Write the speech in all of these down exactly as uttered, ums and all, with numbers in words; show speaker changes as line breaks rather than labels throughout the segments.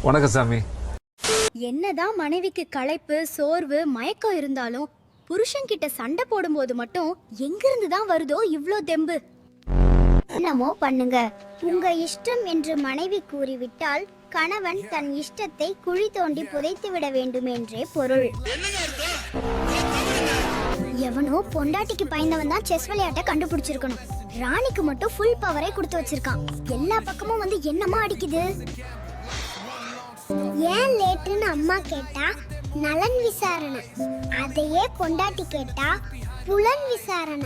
வணக்கம் சாமி.
என்னதான் மனைவிக்கு களைப்பு, சோர்வு, மயக்கம் இருந்தாலும் புருஷன் கிட்ட சண்டை போடும்போது மட்டும் எங்கிருந்து தான் வருதோ இவ்ளோ தெம்பு? என்னமோ பண்ணுங்க, உங்க இஷ்டம் என்று மனைவி கூறிவிட்டால் கணவன் தன் இஷ்டத்தை குழி தோண்டி புதைத்து விட வேண்டும் என்றே பொருள். எவனோ பொண்டாட்டிக்கு பயந்தவன் தான் செஸ் விளையாட்டை கண்டுபிடிச்சிருக்கணும். ராணிக்கு மட்டும் ஃபுல் பவரை கொடுத்து வச்சிருக்கான். எல்லா பக்கமும் வந்து என்னமா அடிக்குது. ஏன் லேட்டுன்னு அம்மா கேட்டா நலன் விசாரணை, அதையே பொண்டாட்டி கேட்டா புலன் விசாரணை.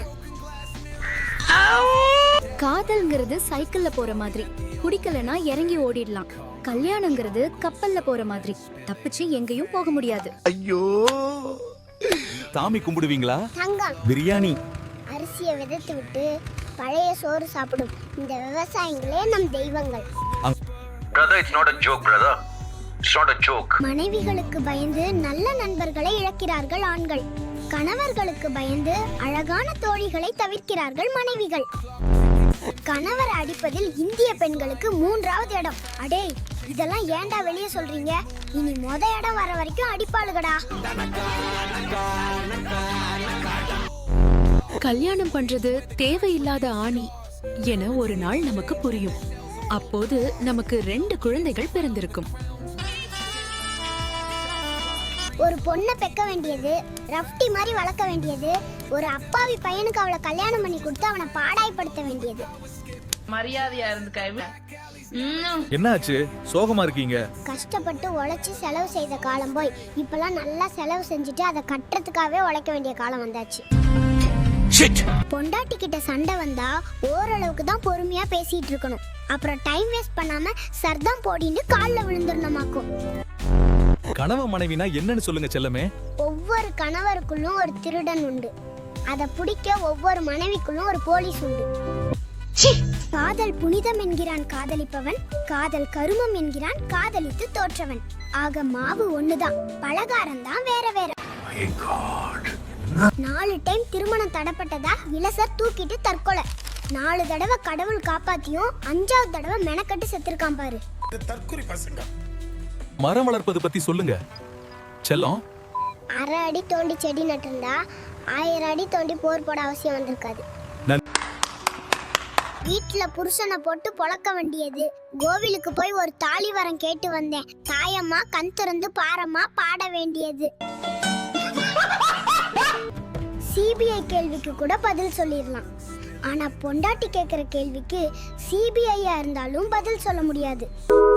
காதல்ங்கிறது சைக்கிள்ல போற மாதிரி, பிடிக்கலனா இறங்கி ஓடிடலாம். கல்யாணங்கிறது கப்பல்ல போற மாதிரி, தப்பிச்சு எங்கேயும் போக முடியாது.
ஐயோ,
சாமி கும்பிடுவீங்களா?
தங்கம்
பிரியாணி.
அரிசியை விதைத்து விட்டு பழைய சோறு சாப்பிடும் இந்த விவசாயிகளே நம் தெய்வங்கள்.
Brother, it's not a joke, brother. It's not a joke.
மனைவிகளுக்கு பயந்து நல்ல நண்பர்களை இழக்கிறார்கள் ஆண்கள். கணவர்களுக்கு பயந்து அழகான தோழிகளை தவிர்க்கிறார்கள் மனைவிகள். கணவர் அடிப்பதில் இந்திய பெண்களுக்கு மூன்றாவது இடம். அடே, இதெல்லாம் ஏன்டா வெளியே சொல்றீங்க? இனி மொத இடம் வர வரைக்கும் அடிப்பாளுகடா.
கல்யாணம் பண்றது தேவையில்லாத ஆணி என ஒரு நாள் நமக்கு புரியும். அப்போது நமக்கு ரெண்டு குழந்தைகள் பிறந்திருக்கும்.
ஒரு பொண்ணை பெக்க வேண்டியது, ரஃப்டி மாதிரி வளர்க்க வேண்டியது, ஒரு அப்பாவி பையனுக்கு அவளை கல்யாணம் பண்ணி கொடுத்து அவனை பாடாய்படுத்த வேண்டியது.
மரியாதையா இருந்து
என்னாச்சு, சோகமா இருக்கீங்க?
கஷ்டப்பட்டு உழைச்சி செலவு செய்த காலம் போய் இப்பெல்லாம் நல்லா செலவு செஞ்சுட்டு அதை கட்டுறதுக்காகவே உழைக்க வேண்டிய காலம் வந்தாச்சு. பொண்டாட்டி கிட்ட சண்டை வந்தா ஓரளவுக்கு தான் பொறுமையா பேசிட்டு இருக்கணும். அப்புறம் டைம் வேஸ்ட் பண்ணாம சர்தான் போடின்னு கால்ல விழுந்துடணுமாக்கும்.
கணவன் மனைவினா என்னன்னு சொல்லுங்க செல்லமே.
ஒவ்வொரு கணவருக்குள்ளும் ஒரு திருடன் உண்டு. அதை பிடிக்க ஒவ்வொரு மனைவிக்குள்ளும் ஒரு போலீஸ் உண்டு. காதல் புனிதம் என்கிறான் காதலிப்பவன், காதல் கருமம் என்கிறான் காதலித்து தோற்றவன். ஆக மாவு ஒண்ணுதான், பலகாரம் தான் வேற வேற. நாலு டைம் திருமணம் தடப்பட்டதா இளசர் தூக்கிட்டு தற்கொலை. நாலு தடவை கடவுள் காப்பாத்தியும் அஞ்சாவது தடவை மெனக்கட்டு செத்துருக்கான் பாரு.
மரம் வளர்ப்பது பத்தி சொல்லுங்க செல்லம்.
அரை அடி தோண்டி செடி நட்டிருந்தா ஆயிரம் அடி தோண்டி போர் போட அவசியம் வந்திருக்காது. வீட்டுல புருஷனை போட்டு பொழக்க வேண்டியது. கோவிலுக்கு போய் ஒரு தாலி வரம் கேட்டு வந்தேன். தாயம்மா கண் திறந்து பாரம்மா பாட வேண்டியது. சிபிஐ கேள்விக்கு கூட பதில் சொல்லிடலாம். ஆனா பொண்டாட்டி கேக்குற கேள்விக்கு சிபிஐயா இருந்தாலும் பதில் சொல்ல முடியாது.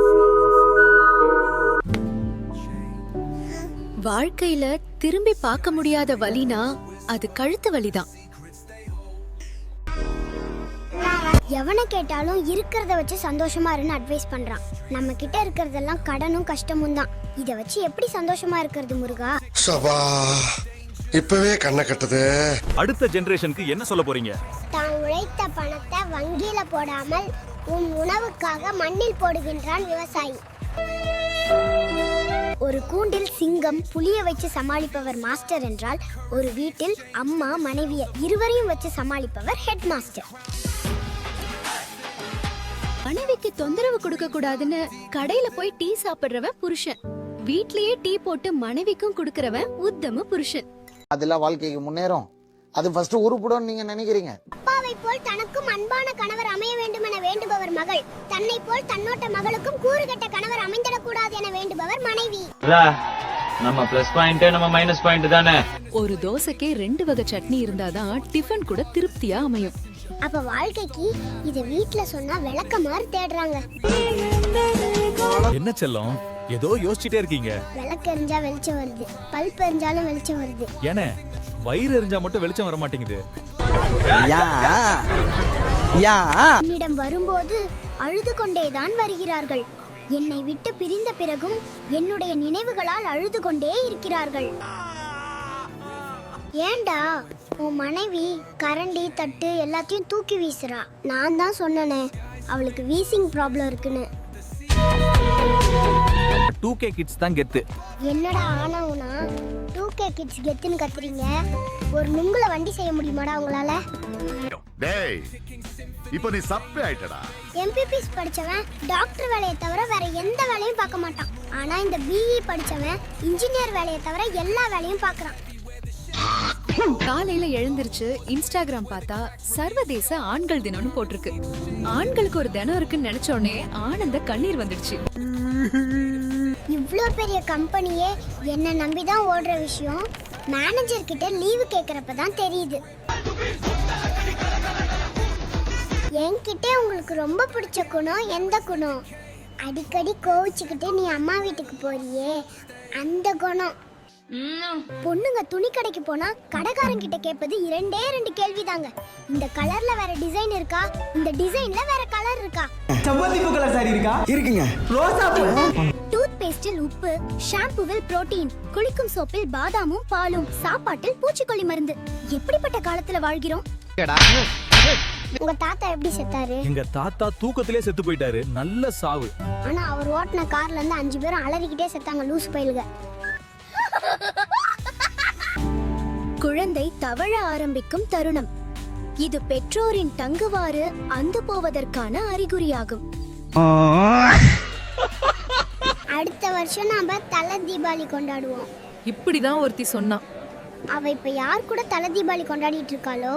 வாழ்க்கையில திரும்பி பார்க்க முடியாத வலினா அது கழுத்து வலிதான்.
எவனை கேட்டாலும் இருக்கிறத வச்சு சந்தோஷமா இருன்னு அட்வைஸ் பண்றான். நம்ம கிட்ட இருக்கிறதெல்லாம் கடனும் கஷ்டமும் தான். இத வச்சு எப்படி சந்தோஷமா இருக்கிறது முருகா?
சபா, இப்பவே கண்ணை கட்டுது.
அடுத்த ஜெனரேஷனுக்கு என்ன சொல்ல போறீங்க?
தான் உழைத்த பணத்தை வங்கியில போடாமல் உன் உணவுக்காக மண்ணில் போடுகின்றான் விவசாயி. ஒரு கூண்டில் சிங்கம் புலிய வச்சு சமாளிப்பவர் மாஸ்டர் என்றால், ஒரு வீட்டில் அம்மா மனைவிய இருவரையும் வச்சு சமாளிப்பவர் ஹெட் மாஸ்டர்.
மனைவிக்கு தொந்தரவு கொடுக்க கூடாதுன்னு கடையில போய் டீ சாப்பிடுறவன் புருஷன். வீட்லயே டீ போட்டு மனைவிக்கும் கொடுக்கறவன் உத்தம புருஷன்.
அதெல்லாம் வாழ்க்கைக்கு முன்னேறும். அது ஃபர்ஸ்ட் உருப்படும் நீங்க நினைக்கிறீங்க.
அப்பாவை போல் தனக்கும் அன்பான கணவர் அமைய வேண்டும் என வேண்டுபவர் மகள். தன்னை போல் தன்னோட்ட மகளுக்கும் கூறுகட்ட கணவர் அமைந்திடக் கூடாது என வேண்டுபவர் மனைவி.
நம்ம பிளஸ் பாயிண்ட் நம்ம மைனஸ் பாயிண்ட் தானே.
ஒரு தோசைக்கே ரெண்டு வகை சட்னி இருந்தாதான் டிஃபன் கூட திருப்தியா அமையும்.
அப்ப வாழ்க்கைக்கு இத வீட்ல சொன்னா விளக்க மாதிரி தேடுறாங்க.
என்ன செல்லம், ஏதோ யோசிச்சுட்டே இருக்கீங்க.
விளக்கு எரிஞ்சா வெளிச்சம் வருது, பல்ப் எரிஞ்சாலும் வெளிச்சம் வருது.
ஏனே வயிறு எரிஞ்சா மட்டும் வெளிச்சம் வர மாட்டேங்குது?
என்னிடம் வரும்போது அழுது கொண்டேதான் வருகிறார்கள். என்னை விட்டு பிரிந்த பிறகும் என்னுடைய நினைவுகளால் அழுது கொண்டே இருக்கிறார்கள். ஏண்டா உன் மனைவி கரண்டி தட்டு எல்லாத்தையும் தூக்கி வீசுறா. நான் தான் சொன்னனே அவளுக்கு வீசிங் ப்ராப்ளம் இருக்குன்னு.
டூ கே கிட்ஸ் தான் கெத்து.
என்னடா ஆனவுனா டூ கே கிட்ஸ் கெத்துன்னு கத்துறீங்க? ஒரு நுங்குல வண்டி செய்ய முடியுமாடா உங்களால?
டேய் இப்போ நீ சப்பே ஆயிட்டடா.
எம்பிபிஎஸ் படிச்சவன் டாக்டர் வேலையை தவிர வேற எந்த வேலையும் பார்க்க மாட்டான். ஆனா இந்த பிஇ படிச்சவன் இன்ஜினியர் வேலையை தவிர எல்லா வேலையும் பார்க்கறான்.
காலையில எழுந்திருச்சு இன்ஸ்டாகிராம் பார்த்தா சர்வதேச ஆண்கள் தினம்னு போட்டிருக்கு. ஆண்களுக்கு ஒரு தினம் இருக்குன்னு நினைச்ச உடனே ஆனந்த கண்ணீர் வந்துடுச்சு.
இவ்ளோ பெரிய கம்பெனியே என்ன நம்பி தான் ஓடுற விஷயம் மேனேஜர் கிட்ட லீவு கேக்குறப்ப தான் தெரியுது. என்கிட்ட உங்களுக்கு ரொம்ப பிடிச்ச குணம் எந்த குணம்? அடிக்கடி கோவிச்சுக்கிட்டு நீ அம்மா வீட்டுக்கு போறியே அந்த குணம். பொண்ணுங்க துணி கடைக்கு போனா கடைக்காரன் கிட்ட கேட்பது இரண்டே ரெண்டு கேள்விதாங்க. இந்த கலர்ல வேற டிசைன் இருக்கா, இந்த டிசைன்ல வேற கலர் இருக்கா,
செவ்வந்தி பூ கலர் சாரி இருக்கா? இருக்குங்க. ரோசா பூ.
டூத் பேஸ்டில் உப்பு, ஷாம்புவில் புரோட்டீன், குளிக்கும் சோப்பில் பாதாமும் பாலும், சாப்பாட்டில் பூச்சிக்கொல்லி மருந்து. எப்படிப்பட்ட காலத்துல வாழ்கிறோம்? உங்க தாத்தா எப்படி செத்தாரு?
எங்க தாத்தா தூக்கத்திலே செத்து போயிட்டாரு. நல்ல சாவு.
ஆனா அவர் ஓட்டின கார்ல இருந்து அஞ்சு பேரும் அலறிக்கிட்டே செத்தாங்க லூசு பயிலுக.
குழந்தை தவழ ஆரம்பிக்கும் தருணம். இது பெற்றோரின் தங்குவாறு அந்து போவதற்கான அறிகுறியாகும்.
அடுத்த வருஷம் நாம தலை தீபாவளி கொண்டாடுவோம்.
இப்படிதான் ஒருத்தி சொன்னா.
அவ இப்ப யார் கூட தலை தீபாவளி கொண்டாடிட்டு இருக்காளோ?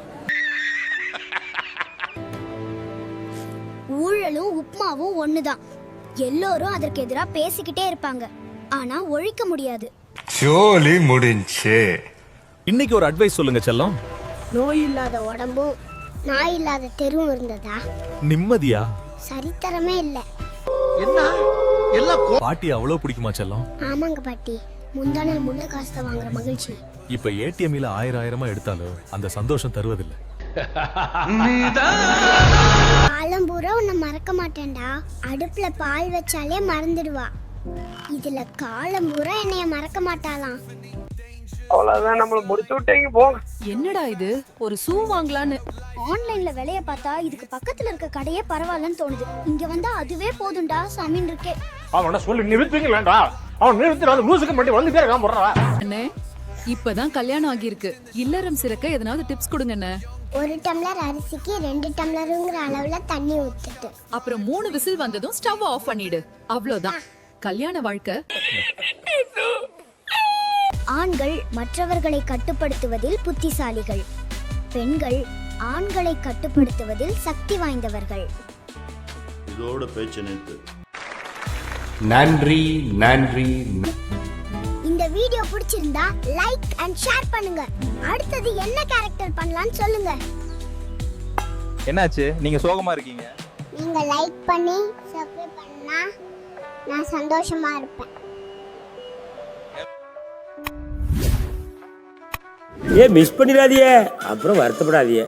ஊழலும் உப்மாவும் ஒண்ணுதான். எல்லோரும் அதற்கு எதிரா பேசிக்கிட்டே இருப்பாங்க, ஆனா ஒழிக்க முடியாது.
ஜோலி முடிஞ்சே.
இன்னைக்கு ஒரு அட்வைஸ் சொல்லுங்க செல்லம்.
நோய் இல்லாத உடம்பும் நாய் இல்லாத தெருவும் இருந்ததா
நிம்மதியா?
சரித்திரமே இல்ல.
என்ன எல்லாம்
பாட்டி அவ்வளவு பிடிக்குமா செல்லம்?
ஆமாங்க பாட்டி, முந்தானல் முள்ள காசு வாங்குற மகிழ்ச்சி.
இப்ப ஏடிஎம்ல ஆயிரம் ஆயிரமா எடுத்தாலும் அந்த சந்தோஷம் தருவதில்லை.
காலம் பூரா உன்னை மறக்க மாட்டேன்டா. அடுப்புல பால் வச்சாலே மறந்துடுவா. இதுல காலம் பூரா என்னைய மறக்க மாட்டாளாம்.
அவ்வளவுதான், நம்மள முடிச்சு விட்டீங்க போங்க.
என்னடா இது, ஒரு ஷூ வாங்கலான்னு
ஆன்லைன்ல விலைய பார்த்தா இதுக்கு பக்கத்துல இருக்க கடையே பரவாயில்லன்னு தோணுது. இங்க வந்தா அதுவே போதும்டா சாமின் இருக்கே.
அவன சொல்லி நிறுத்துங்களேன்டா. அவன் நிறுத்துறாத லூசுக்கு மட்டும் வந்து பேர் காம்பறா.
அண்ணே, இப்பதான் கல்யாணம் ஆகியிருக்கு. இல்லறம் சிறக்க எதனாவது டிப்ஸ் கொடுங்க அண்ணே.
ஒரு டம்ளர் அரிசிக்கு ரெண்டு டம்ளருங்கிற அளவுல தண்ணி ஊத்திட்டு
அப்புறம் மூணு விசில் வந்ததும் ஸ்டவ் ஆஃப் பண்ணிடு. அவ்வளவுதான் கல்யாண வாழ்க்கை.
ஆண்கள் மற்றவர்களை கட்டுப்படுத்துவதில் புத்திசாலிகள், பெண்கள் ஆண்களை கட்டுப்படுத்துவதில் சக்தி வாய்ந்தவர்கள்.
இதோட பேச்சு நிறுத்து.
நன்றி நன்றி.
இந்த வீடியோ பிடிச்சிருந்தா லைக் அண்ட் ஷேர் பண்ணுங்க. அடுத்தது என்ன கேரக்டர் பண்ணலாம்னு சொல்லுங்க.
என்னாச்சு, நீங்க சோகமா இருக்கீங்க?
நீங்க லைக் பண்ணி சப்ஸ்கிரைப் பண்ணா நான் சந்தோஷமா இருப்பேன்.
ஏ மிஸ் பண்ணிடாதீங்க, அப்புறம் வருத்தப்படாதீங்க.